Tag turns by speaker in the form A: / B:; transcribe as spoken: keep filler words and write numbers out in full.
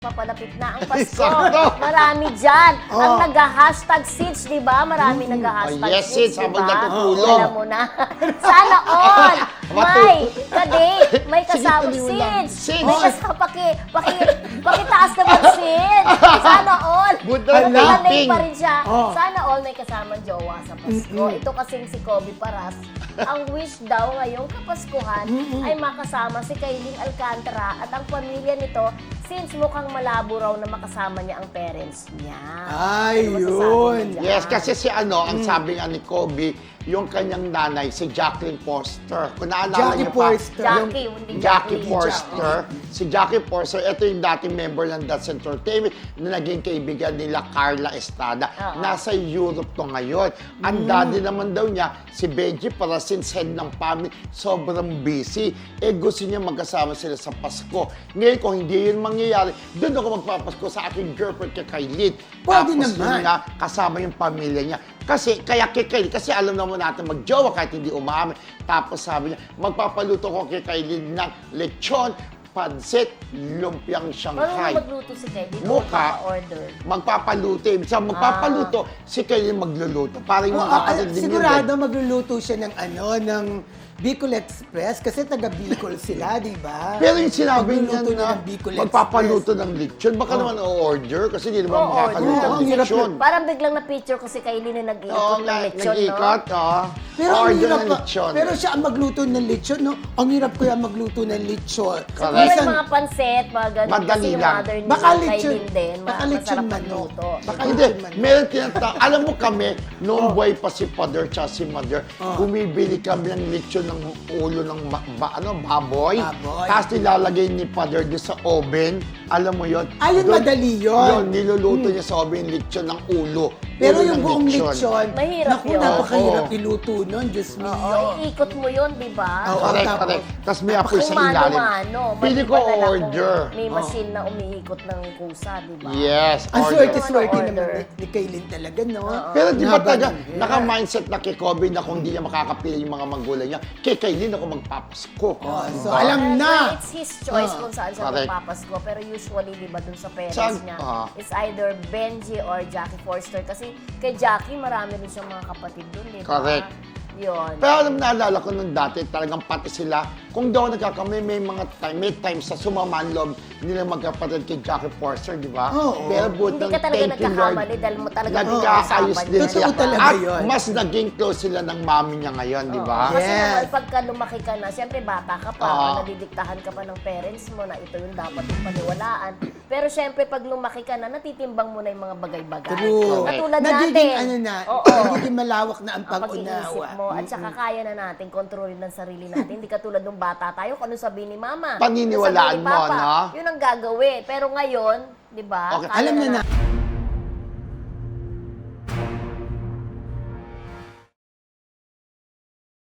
A: Papalapit na ang Pasko.
B: Sakto.
A: Marami dyan.
B: Oh.
A: Ang nag-hashtag seeds, di ba? Marami
B: Mm.
A: nag-hashtag
B: Oh, yes,
A: seeds,
B: seeds,
A: di
B: habang
A: ba?
B: natutulog.
A: Alam mo na. Sana all. May kadate. May
B: Sige,
A: kasama
B: tuloy mo lang.
A: seeds.
B: Seeds.
A: May kasama paki, paki, pakitaas naman seeds. Sana all.
B: Buta
A: Ano
B: na
A: pa
B: ping.
A: pa rin siya.
B: Oh.
A: Sana all may kasamang jowa sa Pasko. Ito kasing si Kobe Paras. Ang wish daw ngayong Kapaskuhan ay makasama si Kayleen Alcantara at ang pamilya nito since mukhang malabo raw na makasama niya ang parents niya.
C: Ay,
A: Ano masasabi
C: yun.
A: mo dyan?
B: Yes, kasi si ano, ang sabi nga ni Kobe, yung kanyang nanay, si Jacqueline Forster. Kung naalala
C: Jackie
B: niyo pa,
C: Forster.
A: Jackie, hindi
B: Jackie
A: Jacqueline.
B: Forster. Si Jackie Forster, ito yung dating member ng That's Entertainment na naging kaibigan nila Carla Estrada.
A: Oo.
B: Nasa Europe to ngayon. Ang daddy naman daw niya, si Benji, para since head ng family, sobrang busy. Eh, gusto niya magkasama sila sa Pasko. Ngayon, kung hindi yun mangyayari, doon ako magpapasko sa aking girlfriend kay Kylene.
C: Pwede
B: Tapos
C: naman.
B: yun nga, kasama yung pamilya niya. Kasi, kaya kay Kylene, kasi alam naman natin mag-jowa kahit hindi umamin. Tapos sabi niya, magpapaluto ko kay Kylene ng lechon, pansit, lumpiang
A: Paano
B: Shanghai.
A: magluto si Kayleen?
B: Mukha.
A: Order.
B: Magpapaluto. Ibig sabihin, magpapaluto, si Kylene magluluto. Para yung
C: Oh,
B: mga
C: ah,
B: kapatid din
C: sigurado
B: yun.
C: magluluto siya ng ano, ng Bicol Express kasi taga Bicol sila, di ba?
B: Pero yung sinabi niya
C: Magluluto
B: na
C: ng Bicol
B: magpapaluto
C: Express.
B: ng lechon, baka naman o-order kasi hindi naman
A: Oo,
B: makakaluto
C: order.
B: ng
C: Oo, ang hirap
B: lechon.
A: Parang biglang na-picture ko si Kayleen na nag-iikot
B: Oo,
A: ng
B: na-
A: lechon,
B: nag-ikot,
A: no?
B: oh.
C: Pero ang
B: Order
C: hirap
B: ng
C: pa,
B: lechon.
C: pero siya ang magluto ng lechon, no? Ang hirap kaya magluto ng lechon.
A: Siguro
B: Correct.
A: yung
C: Minsan-
A: mga pansit, mga ganun.
B: Madali
A: Kasi yung
B: lang.
A: mother ni
C: Baka lechon,
A: Kayleen din, ma-
C: baka lechon
A: masarap
C: manok.
A: magluto.
C: Baka
B: Hindi,
C: lechon manok.
B: meron tinatawag. Alam mo kami, noong
C: Oh.
B: buhay pa si Father tsaka si Mother, bumibili kami ng lechon ng ulo ng ba, ba- ano, baboy.
C: Baboy.
B: Tapos nilalagay ni Father doon sa oven. Alam mo yun?
C: Ayun,
B: Doon-
C: madali yun.
B: Yun, niluluto niya sa oven yung lechon ng ulo.
C: Pero
B: Ulo
C: yung
B: ng
C: buong lechon,
A: Mahirap
C: naku,
A: yun.
C: napakahirap
B: Oo.
C: iluto nun, Diyos
A: Oo,
C: mio.
A: iikot mo yun, di ba?
C: Oo.
B: Correct,
C: tapos-
B: correct. Tapos may apoy sa
A: Kung
B: ilalim.
A: mano-mano,
B: Pili ko
A: maliban na lang kung
B: order.
A: May machine na umiikot ng kusa, di ba?
B: Yes,
C: Ang
B: order.
C: swerte-swerte
A: Order.
C: naman ni, ni Kaylin talaga, no?
B: Pero di ba
C: Haba
B: taga,
C: ng hair.
B: naka-mindset na kay Kobe na kung hindi niya makakapili yung mga magulang niya, kay Kylene ako magpapasko.
C: Oh, so
B: Diba?
C: alam
A: Well,
C: na.
A: it's his choice
C: Ah,
A: kung saan siya
B: correct.
A: magpapasko. Pero usually, di ba, dun sa parents
B: Saan-
A: niya,
B: ah.
A: it's either Benji or Jackie Forster. Kasi kay Jackie, marami rin siyang mga kapatid dun, di ba?
B: Correct.
A: Yun.
B: Pero alam, naalala ko nung dati, talagang pati sila, kung daw nagkakamay, may mga time, may times sa sumaman loob nila magkapatid kay Jackie Forster, di ba?
C: Oo.
B: Pero buti
A: Hindi
B: ng
A: ka talaga
B: thank you, Lord,
A: nagkakamali dahil mo talaga
B: nagkaayos
A: pinag-uusapan
B: din
A: yun.
B: sila.
C: Totoo talaga
B: At
C: yun.
B: mas naging close sila ng mami niya ngayon, di ba?
A: Oo, Kasi
C: Yes.
A: naman, pagka lumaki ka na, siyempre bata ka pa,
B: Oo.
A: nadidiktahan ka pa ng parents mo na ito yung dapat yung paniwalaan. Pero siyempre, pag lumaki ka na, natitimbang mo na yung mga bagay-bagay.
C: True.
A: Katulad
C: Nagiging
A: natin.
C: ano na,
A: Oo.
C: nagiging malawak na ang
A: Ang pag-iisip
C: pag-unawa.
A: mo at saka kaya na natin kontrolin ng sarili natin. Hindi katulad nung bata tayo, kung ano sabihin ni mama.
B: Paniniwalaan
A: ano sabihin ni
B: mo,
A: Papa,
B: no?
A: Yun ang gagawin. Pero ngayon, di ba?
B: Okay.
A: kaya
C: Alam na na.